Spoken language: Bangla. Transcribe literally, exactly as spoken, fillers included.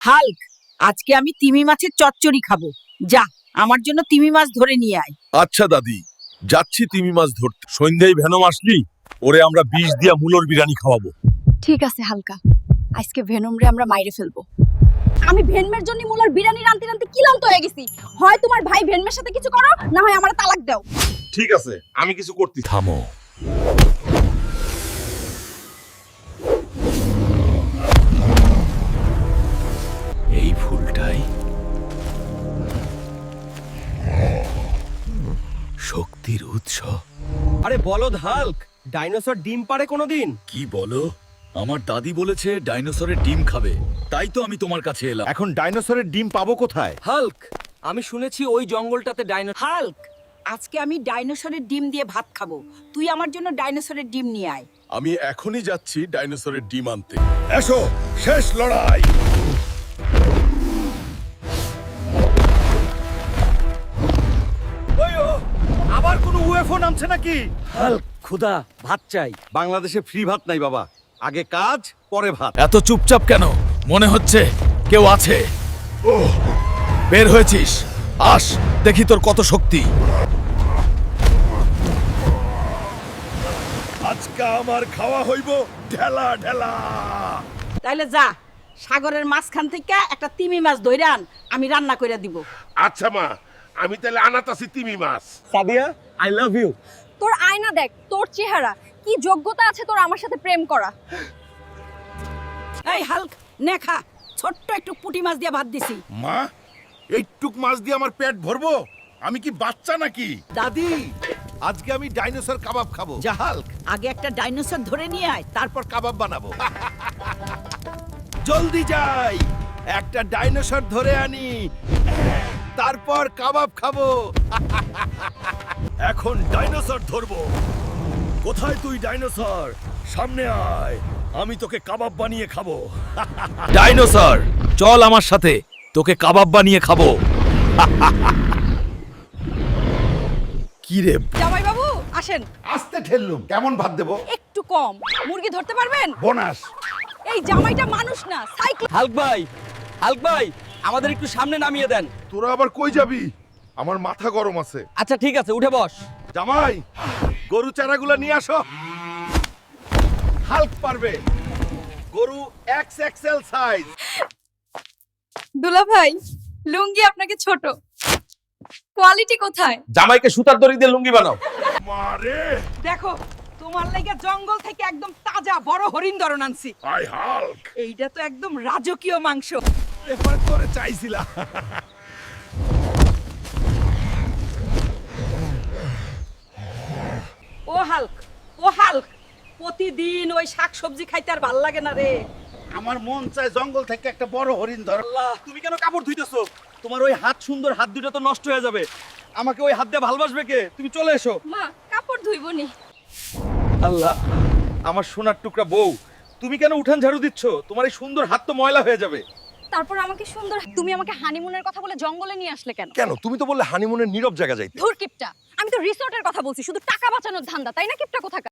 হাল্ক, আজকে আমি তিমি মাছের চচ্চড়ি খাবো। যা, আমার জন্য তিমি মাছ ধরে নিয়ে আয়। আচ্ছা দাদি, যাচ্ছি তিমি মাছ ধরতে। সন্ধ্যায় ভেনম আসলি ওরে আমরা বিষ দিয়া মুলোর বিরিয়ানি খাওয়াবো। ঠিক আছে হালকা, আজকে ভেনমরে আমরা মাইরে ফেলবো। আমি ভেনমের জন্য মুলার বিরিয়ানি রানতে রানতে ক্লান্ত হয়ে গেছি। হয় তোমার ভাই ভেনমের সাথে কিছু করো, না হয় আমার তালাক দাও। ঠিক আছে, আমি কিছু করতে। থামো। এই ফুলটাই শক্তির উৎস। আরে বলদ হাল্ক, ডাইনোসর ডিম পাড়ে কোনোদিন? কি বলো? আমার দাদি বলেছে ডাইনোসরের ডিম খাবে, তাই তো আমি তোমার কাছে এলাম। এখন ডাইনোসরের ডিম পাবো কোথায়? হাল্ক, আমি শুনেছি ওই জঙ্গলটাতে ডাইনো হাল্ক, আজকে আমি ডাইনোসরের ডিম দিয়ে ভাত খাবো। তুই আমার জন্য ডাইনোসরের ডিম নিয়ে আয়। আমি এখনই যাচ্ছি ডাইনোসরের ডিম আনতে। এসো, শেষ লড়াই। আবার কোনো ইউএফও নামছে নাকি? হাল্ক, খুদা ভাত চাই। বাংলাদেশে ফ্রি ভাত নাই বাবা, আগে কাজ পরে ভাত। এত চুপচাপ কেন? মনে হচ্ছে কেউ আছে। ওহ, বের হয়েছিস? আস, দেখি তোর কত শক্তি। আজকে আমার খাওয়া হইব ঢেলা ঢেলা। তাইলে যা, সাগরের মাঝখান থেকে একটা তিমি মাছ ধইরা আন, আমি রান্না কইরা দিব। আচ্ছা মা, আমি তাহলে আনাতাছি তিমি মাছ। Sadia, I love you. তোর আয়না দেখ, তোর চেহারা, কি যোগ্যতা আছে তোর আমার সাথে প্রেম করা? এই হাল্ক, নে খা, ছোট্ট একটু পুঁটি মাছ দিয়ে ভাত দিছি। মা, এইটুক মাছ দিয়ে আমার পেট ভরবো? আমি কি বাচ্চা নাকি? দাদি, আজকে আমি ডাইনোসর কাবাব খাবো। যা হাল্ক, আগে একটা ডাইনোসর ধরে নিয়ে আয়, তারপর কাবাব বানাবো। জলদি যাই, একটা ডাইনোসর ধরে আনি, তারপর কাবাব খাবো। এখন ডাইনোসর ধরবো। কোথায় তুই ডাইনোসর? সামনে আয়, আমি তোকে কাবাব বানিয়ে খাবো। ডাইনোসর, চল আমার সাথে, তোকে কাবাব বানিয়ে খাবো। কি রে? জামাই বাবু আসেন। আস্তে ঠেললুম, কেমন ভাত দেবো? একটু কম, মুরগি ধরতে পারবেন? বোনাস। এই জামাইটা মানুষ না, সাইক্লোন। হাল্ক ভাই, হাল্ক ভাই, আমাদের একটু সামনে নামিয়ে দেন। তোরা আবার কই যাবি? আমার মাথা গরম আছে। আচ্ছা ঠিক আছে, উঠে বস। জামাই, গরু চারাগুলো নিয়ে আসো। হাল্ক পারবে। গরু এক্স এক্সেল সাইজ। দুলা ভাই, লুঙ্গি আপনাকে ছোট, কোয়ালিটি কোথায়? জামাইকে সুতার দড়ি দিয়ে লুঙ্গি বানাও। মারে, দেখো, তোমার লাগা জঙ্গল থেকে একদম তাজা বড় হরিণ ধরন আনছি। I Hulk. এইটা তো একদম রাজকীয় মাংস। এবার করে চাইছিলা। ও হাল্ক, ও হাল্ক, প্রতিদিন ওই শাক সবজি খাইতে আর ভাল লাগে না রে। আমার মন চায় জঙ্গল থেকে একটা বড় হরিণ ধর। আল্লাহ, তুমি কেন কাপড় ধুইতেছো? তোমার ওই হাত সুন্দর হাত দুটো তো নষ্ট হয়ে যাবে। আমাকে ওই হাত দিয়ে ভালোবাসবে কে? তুমি চলে এসো। মা, কাপড় ধুইবনি। আল্লাহ, আমার সোনার টুকরা বউ, তুমি কেন উঠান ঝাড়ু দিচ্ছ? তোমার এই সুন্দর হাত তো ময়লা হয়ে যাবে। তারপর আমাকে সুন্দর, তুমি আমাকে হানিমুনের কথা বলে জঙ্গলে নিয়ে আসলে কেন? কেন? তুমি তো বললে হানিমুনের নীরব জায়গা যাইতে। ধুর কিপটা, আমি তো রিসোর্টের কথা বলছি, শুধু টাকা বাঁচানোর ধান্দা, তাই না কিপটা কোথাকার?